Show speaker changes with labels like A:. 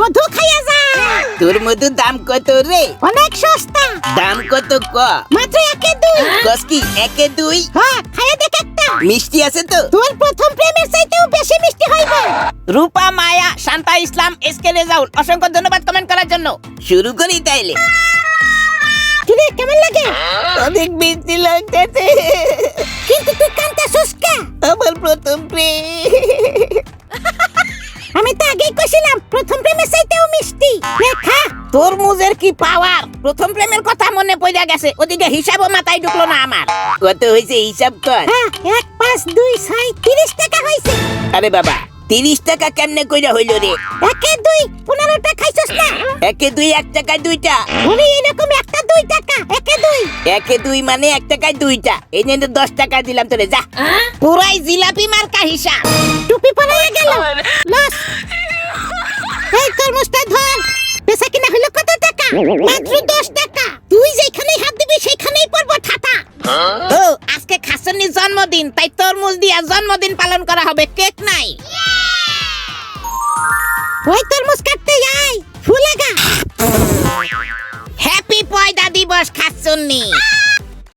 A: মধু খাইয়া যা।
B: তোর মধুর দাম কত রে?
A: অনেক সস্তা।
B: দাম কত ক?
A: মাত্র 1-2।
B: কস কি 1-2?
A: হ্যাঁ, খাইয়া দেখ একটা।
B: মিষ্টি আছে তো?
A: তোর প্রথম প্রেমের চাইতেও বেশি মিষ্টি হইবে।
C: রূপা, মায়া, শান্তা, ইসলাম, এসকে রেজাউল, অসংখ্য ধন্যবাদ কমেন্ট করার জন্য।
B: শুরু করি তাইলে।
A: কিরে কেমন লাগে?
B: অনেক মিষ্টি লাগতেছে।
A: কিন্তু তুই কাঁদতেছস কে?
B: আমার প্রথম প্রেম।
A: আমি তো আগেই কইছিলাম প্রথম প্রেমের চাইতেও মিষ্টি। খা।
C: তরমুজের কি পাওয়ার! প্রথম প্রেমের কথা মনে পড়ে গেছে, ওদিকে হিসাবও মাথায় ঢুকলো না আমার।
B: কত হয়েছে হিসাব কর।
A: হ্যাঁ, 1, 5, 2, 6, 30 টাকা হইছে।
B: আরে বাবা 30 টাকা কেমনে কইরা হইল রে?
A: 1-2, 15 টাকা খাইছস না?
B: 1-2 1 টাকায় 2টা।
A: ওরে এরকম একটা 2 টাকা 1-2।
B: 1-2 মানে 1 টাকায় 2টা। এই নিয়ে 10 টাকা দিলাম তোরে, যা।
C: পুরাই জিলাপি মার্কা হিসাব।
A: টুপি পরাইয়া গেল। লস। এই তরমুজটা ধর। বেচা কিনা হলো কত টাকা? মাত্র 10 টাকা। তুই যেখানেই হাত দিবি সেখানেই পড়বো ঠাটা।
C: ও আজকে খাসনির জন্মদিন, তাই তরমুজ দিয়া জন্মদিন পালন করা হবে, কেক নাই।
A: ওই তরমুজ কাটতে আয়। ফুল লাগা।
C: হ্যাপি পয়দা দিবস খাসনি।